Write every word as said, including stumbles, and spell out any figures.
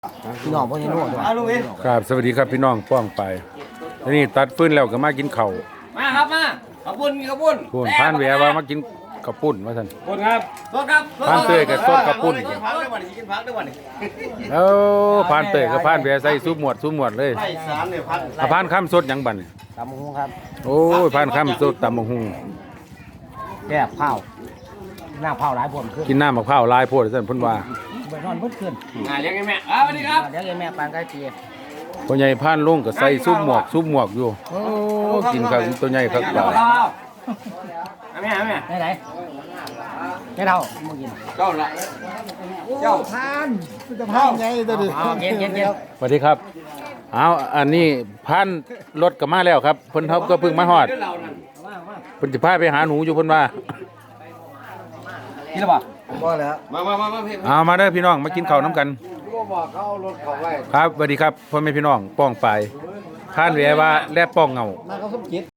พี่น้องพ่อยังรู้ด้วยครับสวัสดีครับพี่น้องป้องไปนี่ตัดฟื้นแล้วก็มากินข้าวมาครับมาขอบคุณขอบคุณพูนผ่านแหวว่ามากินข้าวปุ้นว่าซั่นขอบคุณครับโทษครับผ่านเตยกับโทษข้าวปุ้นกินพักได้วันนี้กินพักได้วันนี้แล้วผ่านเตยกับผ่านแหวใส่ซุปหมวดซุปหมวดเลยไล่สามเนี่ยพันอ่ะผ่านข้ามสดหยังบัดนี่ตำหงครับโอ้ยผ่านข้ามสดตำบักหุ่งแก้เผาหน้าเผาหลายผมขึ้นกินน้ำมะพร้าวลายโพดซั่นเพิ่นว่าไปนอนเพิ่นขึ้นอ่าเลี้ยงไงแม่อ่าสวัสดีครับเดี๋ยวไอ้แม่ปานใกล้เปียพ่อใหญ่ผ่านลงก็ใส่ซุปหมวกซุปหมวกอยู่โอ้กินข้าวตัวใหญ่ครับบ่าแม่แม่ไหนไหนไม่เท่ามึงกินเจ้าละเจ้าทานจะพานไงตัวดิเย็นเย็นเย็นสวัสดีครับเอาอันนี้ผ่านรถก็มาแล้วครับเพิ่นเฮาก็เพิ่งมาฮอดเพิ่นสิพาไปหาหนูอยู่เพิ่นว่ากินหรือเปล่ามาแล้วมามามามาพี่เอามาเด้อพี่น้องมากินข้าวน้ำกันก็บอกเขาเอารถเขาไว้ครับสวัสดีครับพ่อแม่พี่น้องป้องไปผ่านแหวว่าและป้องเงามาเขาสมจิต